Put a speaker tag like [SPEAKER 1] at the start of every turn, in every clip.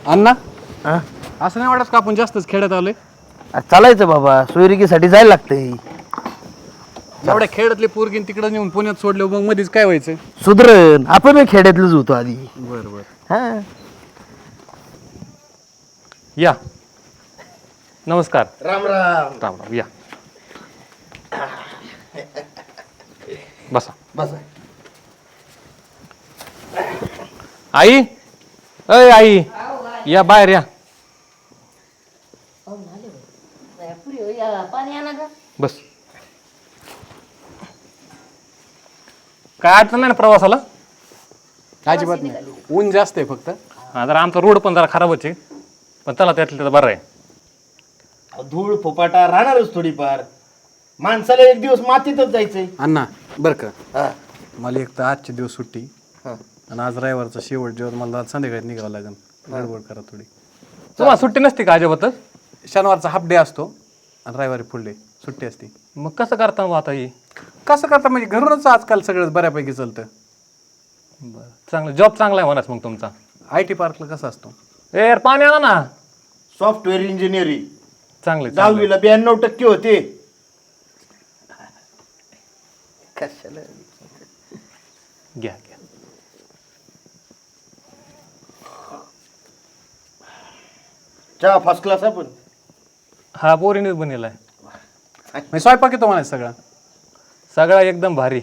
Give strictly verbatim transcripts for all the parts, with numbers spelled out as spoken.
[SPEAKER 1] अण्णा
[SPEAKER 2] हा
[SPEAKER 1] असं नाही वाटत का आपण जास्तच खेड्यात आलोय?
[SPEAKER 2] चालायचं बाबा, सोयरिकीसाठी जायला लागतंय.
[SPEAKER 1] एवढ्या खेड्यातली पोरगीन तिकडे नेऊन पुण्यात सोडलं मग मध्येच काय व्हायचं?
[SPEAKER 2] सुधरण आपण खेड्यातलंच होतो आधी.
[SPEAKER 1] बरं बरं.
[SPEAKER 2] हा
[SPEAKER 3] या नमस्कार.
[SPEAKER 2] राम राम.
[SPEAKER 3] राम राम या बसा.
[SPEAKER 2] बस
[SPEAKER 3] आई अय आई या बाहेर या बस. काय अडचण नाही ना प्रवासाला?
[SPEAKER 1] अजिबात नाही, ऊन जास्त आहे फक्त.
[SPEAKER 3] हा जरा आमचा रोड पण जरा खराबच आहे, पण चला त्यातलं तर बरं आहे.
[SPEAKER 2] धूळ फोपाटा राहणारच थोडीफार. माणसाला एक दिवस मातीतच जायचंय.
[SPEAKER 1] अण्णा बरं का,
[SPEAKER 2] हा
[SPEAKER 1] मला एक तर आजचे दिवस सुट्टी
[SPEAKER 2] हा.
[SPEAKER 1] आणि आज रविवारचा शेवट जेवण मला आज संध्याकाळी निघावं लागेल. गडबड करा थोडी.
[SPEAKER 3] तुम्हाला सुट्टी नसते का अजिबातच?
[SPEAKER 1] शनिवारचा हाफ डे असतो आणि रविवारी फुल डे सुट्टी असते.
[SPEAKER 3] मग कसं करता मग आता ही?
[SPEAKER 1] कसं करता म्हणजे घरूनच आजकाल सगळंच बऱ्यापैकी चालतं.
[SPEAKER 3] बरं चांगलं, जॉब चांगला आहे म्हणाच मग तुमचा.
[SPEAKER 1] आय टी पार्कला कसं असतो?
[SPEAKER 3] ए यार पाणी आणा ना.
[SPEAKER 2] सॉफ्टवेअर इंजिनिअरिंग
[SPEAKER 3] चांगले चांगले.
[SPEAKER 2] दहावीला ब्याण्णव टक्के होते. कशाला
[SPEAKER 3] घ्या घ्या.
[SPEAKER 2] चहा फर्स्ट क्लास आपण.
[SPEAKER 3] हा पोरीनेच बनेलाय.
[SPEAKER 1] म्हणजे स्वयंपाक येतो म्हणायचं सगळा?
[SPEAKER 3] सगळा एकदम भारी.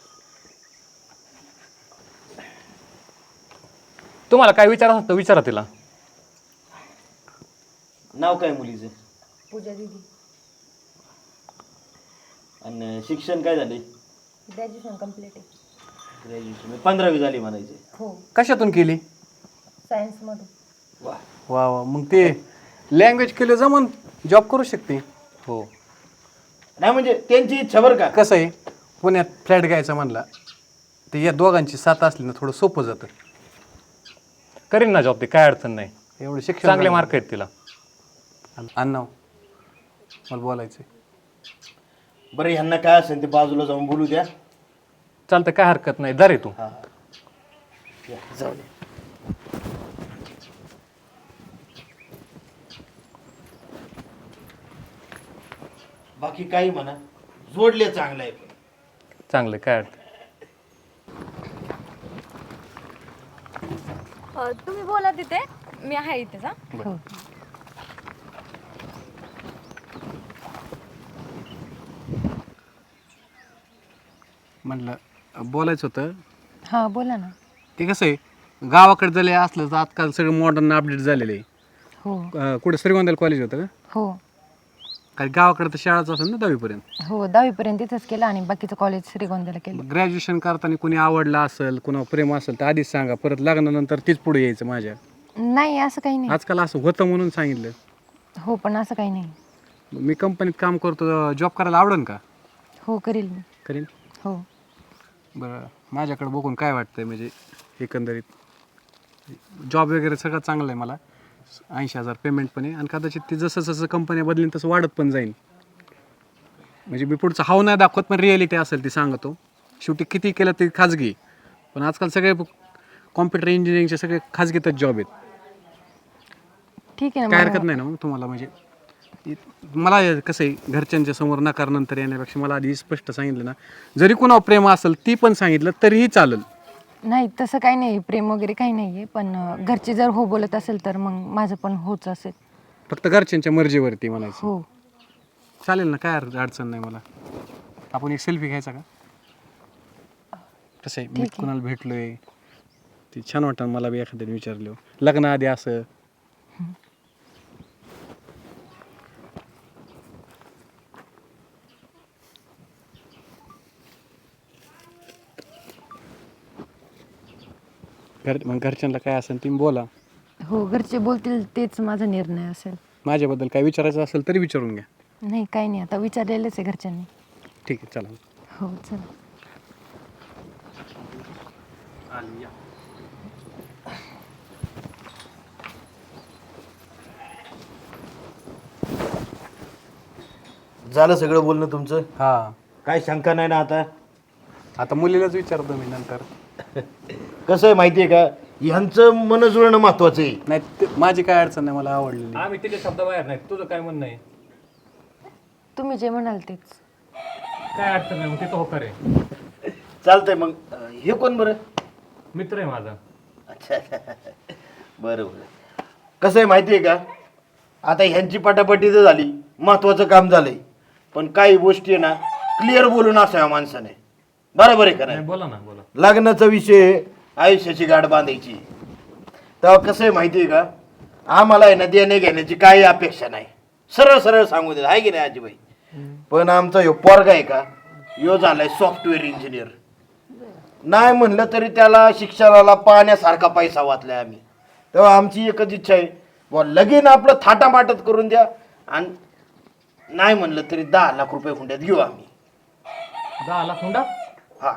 [SPEAKER 3] तुम्हाला काय विचार असतं विचारा तिला.
[SPEAKER 2] नाव काय मुलीचं?
[SPEAKER 4] पूजा दीदी.
[SPEAKER 2] आणि शिक्षण काय झाले?
[SPEAKER 4] ग्रॅज्युएशन कम्प्लीट आहे.
[SPEAKER 2] ग्रॅज्युएशन पंधरावी झाली म्हणायचे.
[SPEAKER 4] हो,
[SPEAKER 1] कशातून केली?
[SPEAKER 4] सायन्समधून.
[SPEAKER 2] वा.
[SPEAKER 1] वा वा, मग ते लँग्वेज केलं जमन जॉब करू शकते.
[SPEAKER 3] हो
[SPEAKER 2] नाही म्हणजे त्यांची इच्छा बरं का.
[SPEAKER 1] कसं आहे, पुण्यात फ्लॅट घ्यायचा म्हणला ते या दोघांची साथ असली ना थोडं सोपं जातं.
[SPEAKER 3] करीन ना जॉब, ते काय अडचण नाही.
[SPEAKER 1] एवढं शिक्षण
[SPEAKER 3] चांगले
[SPEAKER 1] झालं.
[SPEAKER 3] मार्क आहेत तिला.
[SPEAKER 1] अण्णा मला बोलायचं.
[SPEAKER 2] बरं ह्यांना काय असेल ते बाजूला जाऊन बोलू द्या.
[SPEAKER 3] चालतं, काय हरकत नाही. जा रे तू.
[SPEAKER 2] हा या, जाऊ दे. बाकी काही म्हणा, जोडले चांगलं आहे. पण
[SPEAKER 3] चांगलं, काय अडचण.
[SPEAKER 5] अ, तुम्ही बोला तिथे, मी आहे इथेच. हा
[SPEAKER 4] हो.
[SPEAKER 1] म्हटलं बोलायचं होतं.
[SPEAKER 4] हा बोला ना.
[SPEAKER 1] ते कसं आहे, गावाकडे जरी असलं तर आजकाल सगळं मॉडर्न अपडेट झालेलं आहे.
[SPEAKER 4] हो
[SPEAKER 1] अं, कुठे श्रीगोंद्याला कॉलेज होतं का?
[SPEAKER 4] हो
[SPEAKER 1] काही गावाकडे तर शाळाच असेल ना दहावीपर्यंत.
[SPEAKER 4] हो, दहावीपर्यंत इथंच केलं आणि बाकीचं कॉलेज श्रीगोंद्याला केलं.
[SPEAKER 1] ग्रॅज्युएशन करताना कोणी आवडला असेल, कुणा प्रेम असेल तर आधीच सांगा, परत लग्नानंतर तीच पुढे यायचं माझ्या.
[SPEAKER 4] नाही असं काही नाही.
[SPEAKER 1] आजकाल असं होतं म्हणून सांगितलं.
[SPEAKER 4] हो पण असं काही नाही.
[SPEAKER 1] मी कंपनीत काम करतो, जॉब करायला आवडेल का?
[SPEAKER 4] हो करील मी.
[SPEAKER 1] करीन.
[SPEAKER 4] हो
[SPEAKER 1] बरं, माझ्याकडे बघून काय वाटतंय म्हणजे एकंदरीत जॉब वगैरे सगळं चांगलं आहे. मला ऐंशी हजार पेमेंट पण आहे आणि कदाचित ती जसं जसं कंपन्या बदलीन तसं वाढत पण जाईल. म्हणजे मी पुढचं हाव नाही दाखवत, पण रिॲलिटी असेल ती सांगतो. शेवटी किती केलं ते खाजगी, पण आजकाल सगळे कॉम्प्युटर इंजिनिअरिंगचे सगळे खाजगीतच जॉब आहेत.
[SPEAKER 4] ठीक आहे ना.
[SPEAKER 1] काय
[SPEAKER 4] मग-
[SPEAKER 1] हरकत नाही ना मग तुम्हाला? म्हणजे मला कसं आहे, घरच्यांच्या समोर नकार नंतर येण्यापेक्षा मला आधी स्पष्ट सांगितलं ना, जरी कुणावर प्रेम असेल ती पण सांगितलं तरीही चालेल.
[SPEAKER 4] नाही तसं काही नाही, प्रेम वगैरे काही नाही आहे. पण अं, घरचे जर हो बोलत असेल तर मग माझं पण होच असेल.
[SPEAKER 1] फक्त घरच्यांच्या मर्जीवरती म्हणायचं.
[SPEAKER 4] हो
[SPEAKER 1] चालेल ना, काय अड- अडचण नाही मला. आपण एक सेल्फी घ्यायचा का? कसं आहे, मी कुणाला भेटलोय ते छान वाटतं मला बी. एखाद्याने विचारलं लग्नाआधी असं. घर मग घरच्यांना काय असेल तुम्ही बोला.
[SPEAKER 4] हो, घरचे बोलतील तेच माझा निर्णय असेल.
[SPEAKER 1] माझ्याबद्दल काय विचारायचं असेल तरी विचारून घ्या.
[SPEAKER 4] नाही काही नाही, आता विचारलेलंच आहे घरच्यांनी.
[SPEAKER 1] ठीक आहे, चला.
[SPEAKER 4] हो चला.
[SPEAKER 2] झालं सगळं बोलणं तुमचं?
[SPEAKER 1] हां,
[SPEAKER 2] काय शंका नाही ना आता?
[SPEAKER 1] आता मुलीलाच विचारतो मी नंतर.
[SPEAKER 2] कसं आहे माहिती आहे का, ह्यांचं मन जुळणं महत्वाचं आहे.
[SPEAKER 1] नाही ते- माझी काय अडचण नाही, मला आवडलेली.
[SPEAKER 3] आम्ही तिथे शब्द बाहेर नाही, तुझं काय म्हणणं आहे?
[SPEAKER 4] तुम्ही जे म्हणाल तेच.
[SPEAKER 3] काय अडचण नाही, मग तिथं होकार आहे.
[SPEAKER 2] चालतंय मग. अं, हे कोण बरं?
[SPEAKER 3] मित्र आहे माझा.
[SPEAKER 2] अच्छा बरं बरं. कसं आहे माहिती आहे का, आता ह्यांची पटापटी तर झाली, महत्वाचं काम झालंय, पण काही गोष्टी आहे ना क्लिअर बोलून असाव्या माणसाने. बरोबर आहे का नाही?
[SPEAKER 3] नाही, बोला ना बोला.
[SPEAKER 2] लग्नाचा विषय आयुष्याची गाठ बांधायची. तेव्हा कसं आहे माहिती आहे का, आम्हाला आहे ना देणे घेण्याची काही अपेक्षा नाही, सरळ सरळ सांगू दे, आहे की नाही आजीबाई? पण आमचा ह्यो पोरगा आहे का, ह्यो झालाय सॉफ्टवेअर इंजिनियर. नाही म्हणलं तरी त्याला शिक्षणाला पाण्यासारखा पैसा वाचलाय आम्ही. तेव्हा आमची एकच इच्छा आहे, बुवा लगीन आपलं थाटामाटत करून द्या, आणि नाही म्हणलं तरी दहा लाख रुपये हुंड्यात घेऊ आम्ही.
[SPEAKER 3] दहा लाख हुंडा?
[SPEAKER 2] हा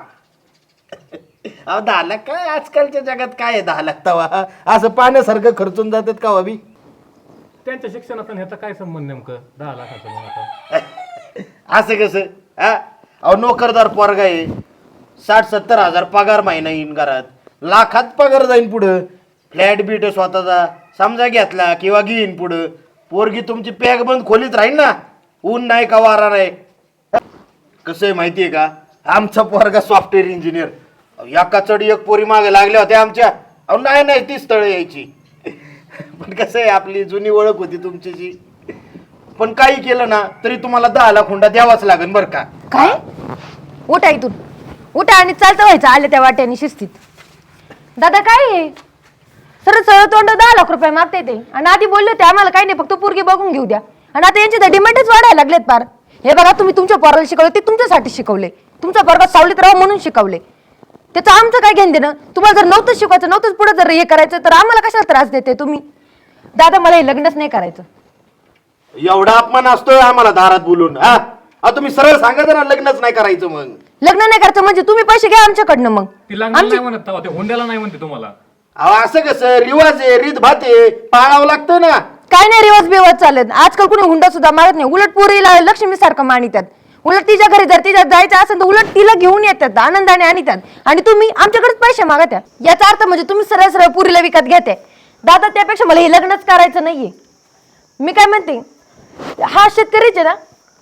[SPEAKER 2] अहो दहा लाख काय, आजकालच्या जगात काय आहे दहा लाख? तवा असं पाण्यासारखं खर्चून जातात का अभि?
[SPEAKER 3] त्यांच्या शिक्षणाचा ह्याचा काय संबंध नेमकं दहा लाखाचा? मग आता
[SPEAKER 2] असं कसं? हा अहो नोकरदार पोरगा आहे, साठ सत्तर हजार पगार महिना येईन घरात, लाखात पगार जाईन पुढं. फ्लॅट बीट स्वतःचा समजा घेतला किंवा घेईन पुढं, पोरगी तुमची पॅक बंद खोलीत राहील ना, ऊन नाही का वारा नाही. कसं आहे माहिती आहे का, आमचा पोरगा सॉफ्टवेअर इंजिनियर, एका चढी एक पोरी मागे लागल्या होत्या आमच्या. अहो नाही नाही ती स्थळं यायची. पण कसं आहे, आपली जुनी ओळख होती तुमच्याशी, पण काही केलं ना तरी तुम्हाला दहा लाख हुंडा द्यावाच लागेल बरं का.
[SPEAKER 4] काय? उठा इथून, उठा आणि चालतं व्हायचं आले त्या वाट्याने शिस्तीत. दादा काय आहे, सरळ सरळ तोंड दहा लाख रुपये मागते ते, आणि आधी बोलले होते आम्हाला काही नाही, फक्त पोरगी बघून घेऊ द्या, आणि आता यांचे तर डिमांडच वाढायला लागलेत पार. हे बघा, तुम्ही तुमच्या पोराला शिकवले ते तुमच्यासाठी शिकवले, तुमचा पोरगा सावलीत राहावं म्हणून शिकवले, त्याचं आमचं काय घेणं देणं? तुम्हाला जर नव्हतं शिकवायचं, नव्हतंच पुढे जर हे करायचं, तर आम्हाला कशाला त्रास देते तुम्ही? दादा मला हे लग्नच नाही करायचं.
[SPEAKER 2] एवढा अपमान असतोय आम्हाला दारात बोलून? हा अहो, तुम्ही सरळ सांगा ना लग्नच नाही करायचं. मग
[SPEAKER 4] लग्न नाही करायचं म्हणजे तुम्ही पैसे घ्या आमच्याकडनं. मग
[SPEAKER 3] ती लग्नाला नाही म्हणत तेव्हा, ते हुंड्याला नाही म्हणते तुम्हाला.
[SPEAKER 2] अहो असं कसं, रिवाज आहे, रीत भात आहे, पाळावं लागतं ना.
[SPEAKER 4] काय नाही रिवाज बिवाज चालत, आजकाल कुणी हुंडा सुद्धा मागत नाही, उलट पोरीला लक्ष्मी सारखं मानितात. उलट तिच्या घरी जर तिच्या जायचं असेल तर उलट तिला घेऊन येतात, आनंदाने आणतात, आणि तुम्ही आमच्याकडेच पैसे मागत आहे. याचा अर्थ म्हणजे तुम्ही सरळ सरळ पुरीला विकत घेते. दादा त्यापेक्षा मला हे लग्नच करायचं नाहीये. मी काय म्हणते, हा शेतकरीच आहे ना,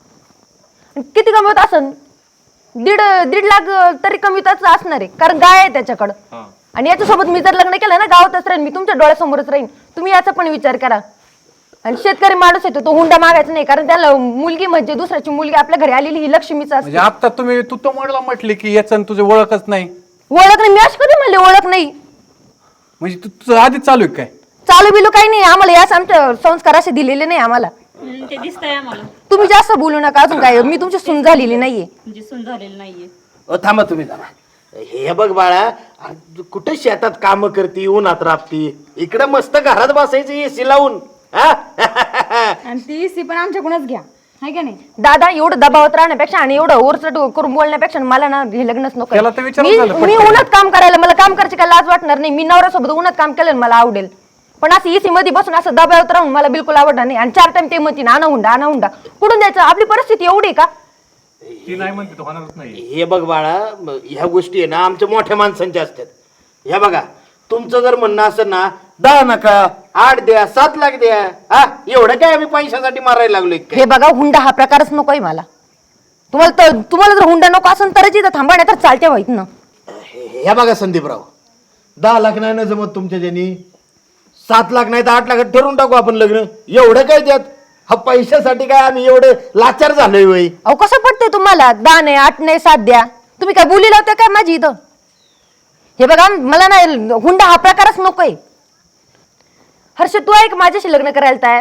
[SPEAKER 4] किती कमवत असन? दीड दीड लाख तरी कमीतच असणार आहे, कारण गाय आहे त्याच्याकडं. आणि याच्यासोबत मी जर लग्न केलं ना, गावातच राहीन मी, तुमच्या डोळ्यासमोरच राहीन. तुम्ही याचा पण विचार करा. आणि शेतकरी माणूस येतो तो हुंडा मागायचा नाही, कारण त्याला मुलगी म्हणजे दुसऱ्याची मुलगी आपल्या घरी आलेली ही लक्ष्मीच असते.
[SPEAKER 1] म्हणजे आता तुम्ही तू तो मला म्हटले की याचं तुझे ओळखच नाही.
[SPEAKER 4] ओळख नाही? मी अशी कधी म्हणले ओळख नाही?
[SPEAKER 1] म्हणजे तू तुझं आधीच चालू आहे काय?
[SPEAKER 4] चालू बिलू काही नाही आम्हाला, याच आमचे संस्कार असे दिलेले नाही आम्हाला.
[SPEAKER 6] ते दिसतंय आम्हाला,
[SPEAKER 4] तुम्ही जास्त बोलू नका अजून. काय मी तुमची सून झालेली नाहीये.
[SPEAKER 6] म्हणजे सून झालेलं नाहीये.
[SPEAKER 2] अहो, थांबा तुम्ही जरा. हे बघ बाळा, अरे कुठे शेतात काम करती, उन्हात राबती, इकडं मस्त घरात बसायचं एसी लावून. हा?
[SPEAKER 5] आणि ती इसी पण आमच्याकडूनच घ्या, हाय का नाही?
[SPEAKER 4] दादा एवढं दबावत राहण्यापेक्षा आणि एवढं ओरचट करून बोलण्यापेक्षा मला ना हे लग्नच नको.
[SPEAKER 1] त्याला तर विचारून
[SPEAKER 4] मी
[SPEAKER 1] झालं
[SPEAKER 4] मी उन्हात काम करायला, मला काम करायची काय लाज वाटणार नाही. मी नवऱ्यासोबत उन्हात काम केलं ना, मला आवडेल. पण असं एसी मध्ये बसून असं दबावत राहून मला बिलकुल आवडणार नाही. आणि चार टाइम ते म्हणते ना, आणा हुंडा आणा हुंडा, कुठून द्यायचं? आपली परिस्थिती एवढी का?
[SPEAKER 3] ती नाही म्हणते तो होणारच नाही.
[SPEAKER 2] हे बघ बाळा, म- ह्या गोष्टी आहे ना आमच्या मोठ्या माणसांच्या असतात. ह्या बघा, तुमचं जर म्हणणं असेल ना, दहा नका, आठ द्या, सात लाख द्या, हा एवढं काय आम्ही पैशासाठी मारायला लागलोय काय?
[SPEAKER 4] हे बघा, हुंडा हा प्रकारच नकोय मला. तुम्हाला तर तुम्हाला जर हुंडा नको असेल तरच इथं थांबा, नाही तर चालते व्हायत ना.
[SPEAKER 2] हे हे बघा संदीपराव, दहा लाख नाही ना जमत तुमच्या ज्यांनी, सात लाख नाही तर आठ लाखात ठरवून टाकू आपण लग्न. एवढं काय द्यात? हा पैशासाठी काय आम्ही एवढे लाचार झालोय वय?
[SPEAKER 4] अहो कसं पडतंय तुम्हाला? दहा नाही, आठ नाही, सात द्या. तुम्ही काय बोली लावताय काय माझी इथं? हे बघा, मला ना हुंडा हा प्रकारच नकोय. हर्ष, तू आहे का माझ्याशी लग्न करायला तयार?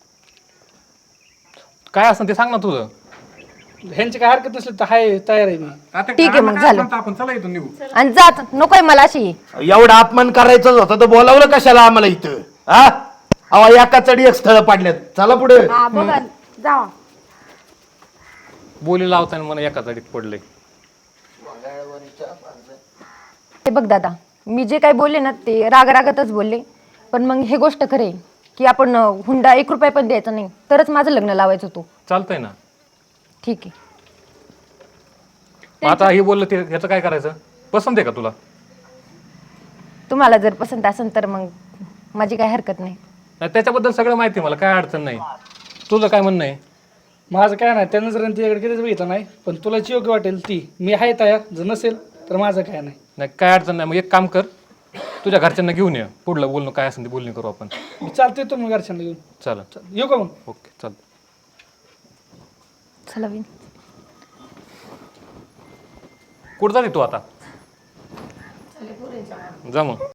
[SPEAKER 3] काय असं ते सांग ना तुझं.
[SPEAKER 1] ह्यांची काय हरकत असली तर हाय, तयार आहे मी. आता
[SPEAKER 4] ठीक आहे, मग
[SPEAKER 1] काय
[SPEAKER 4] झालं.
[SPEAKER 1] म्हणतो आपण, चला इथून निघू.
[SPEAKER 4] आणि जात नकोय मला अशी.
[SPEAKER 2] एवढा अपमान करायचंच होता तर बोलावलं कशाला आम्हाला इथं? हा अहो एका चढी एक स्थळ पाडल्यात, चला पुढे.
[SPEAKER 5] हा बघा, जावा.
[SPEAKER 3] बोली लावताना मला एका जाडीत पडले.
[SPEAKER 4] हे बघ दादा, मी जे काही बोलले ना ते राग रागातच बोलले, पण मग हे गोष्ट खरे की आपण अं, हुंडा एक रुपया पण द्यायचा नाही, तरच माझं लग्न लावायचं तू.
[SPEAKER 3] चालतंय ना.
[SPEAKER 4] ठीक आहे.
[SPEAKER 3] मग आता हे बोललं ते ह्याचं काय करायचं? पसंत आहे का तुला?
[SPEAKER 4] तुम्हाला जर पसंत असेल तर मग माझी काही हरकत नाही.
[SPEAKER 3] नाही त्याच्याबद्दल सगळं माहिती आहे मला, काय अडचण नाही. तुझं काय म्हणणं आहे?
[SPEAKER 7] माझं काय नाही, त्यानं जर तिच्याकडे कधीच बघितलं नाही, पण तुला जी योग्य वाटेल ती, मी आहे तयार. जर नसेल तर माझं काय नाही.
[SPEAKER 3] नाही काय अडचण नाही. मग एक काम कर, तुझ्या घरच्यांना घेऊन ये, पुढलं बोलणं काय असेल ते बोलणी करू आपण.
[SPEAKER 7] मी चालतोय तो मग घरच्यांना घेऊन.
[SPEAKER 3] चालेल.
[SPEAKER 7] चल, येऊ का मग?
[SPEAKER 3] ओके चालतं.
[SPEAKER 4] चला विन.
[SPEAKER 3] कुठं जाते तू आता? जा मग.